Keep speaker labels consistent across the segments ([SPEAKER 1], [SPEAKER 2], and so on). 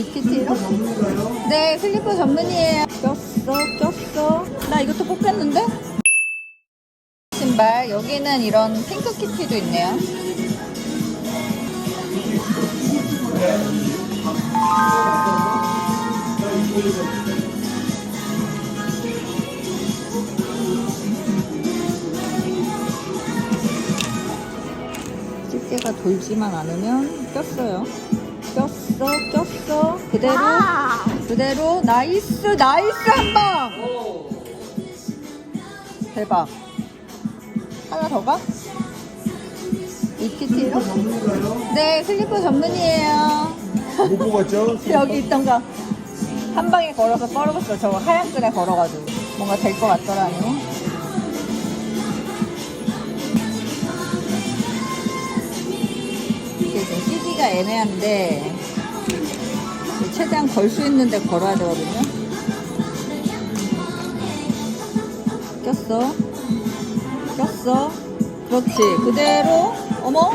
[SPEAKER 1] 키티로? 네, 슬리퍼 전문이에요. 꼈어. 나 이것도 뽑혔는데? 신발, 여기는 이런 핑크 키티도 있네요. 집게가 돌지만 않으면 꼈어요. 꼈어. 그대로. 나이스 한 방! 대박. 하나 더 가? 이 키티로? 네, 슬리퍼 전문이에요.
[SPEAKER 2] 못 뽑았죠?
[SPEAKER 1] 여기 있던 거 한 방에 걸어서 뻘었어. 저거 하얀 끈에 걸어가지고 뭔가 될 것 같더라니. 이게 지금 CD가 애매한데 최대한 걸 수 있는데 걸어야 되거든요. 꼈어. 그렇지. 그대로. 어머?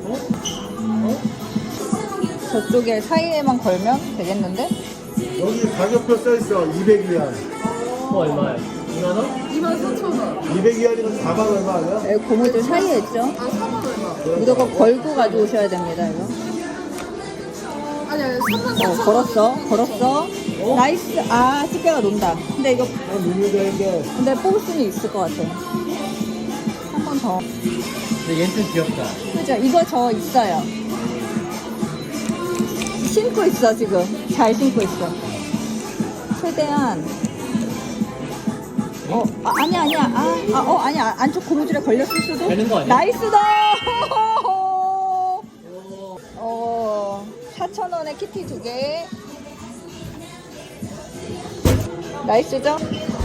[SPEAKER 1] 저쪽에 사이에만 걸면 되겠는데?
[SPEAKER 2] 여기 가격표 써있어. 200위안.
[SPEAKER 3] 얼마야? 2만원?
[SPEAKER 4] 24,000원.
[SPEAKER 2] 200위안이면 4만 얼마 아니야?
[SPEAKER 1] 여기 고무줄 사이에 있죠?
[SPEAKER 4] 아, 4만 얼마.
[SPEAKER 1] 무조건 걸고 가져오셔야 됩니다, 이거.
[SPEAKER 4] 아니, 34,000원.
[SPEAKER 1] 걸었어. 나이스. 아, 집게가 논다. 근데 이거,
[SPEAKER 2] 밀면 되는데.
[SPEAKER 1] 근데 뽑을 수는 있을 것 같아. 한 번 더.
[SPEAKER 3] 근데 얘는 좀 귀엽다.
[SPEAKER 1] 그죠? 이거 저 있어요. 신고 있어, 지금. 잘 신고 있어. 최대한. 아니야. 아니야. 안쪽 고무줄에 걸렸을 수도.
[SPEAKER 3] 되는 거 아니야?
[SPEAKER 1] 나이스다! 4,000원에 키티 2개. 나이스죠?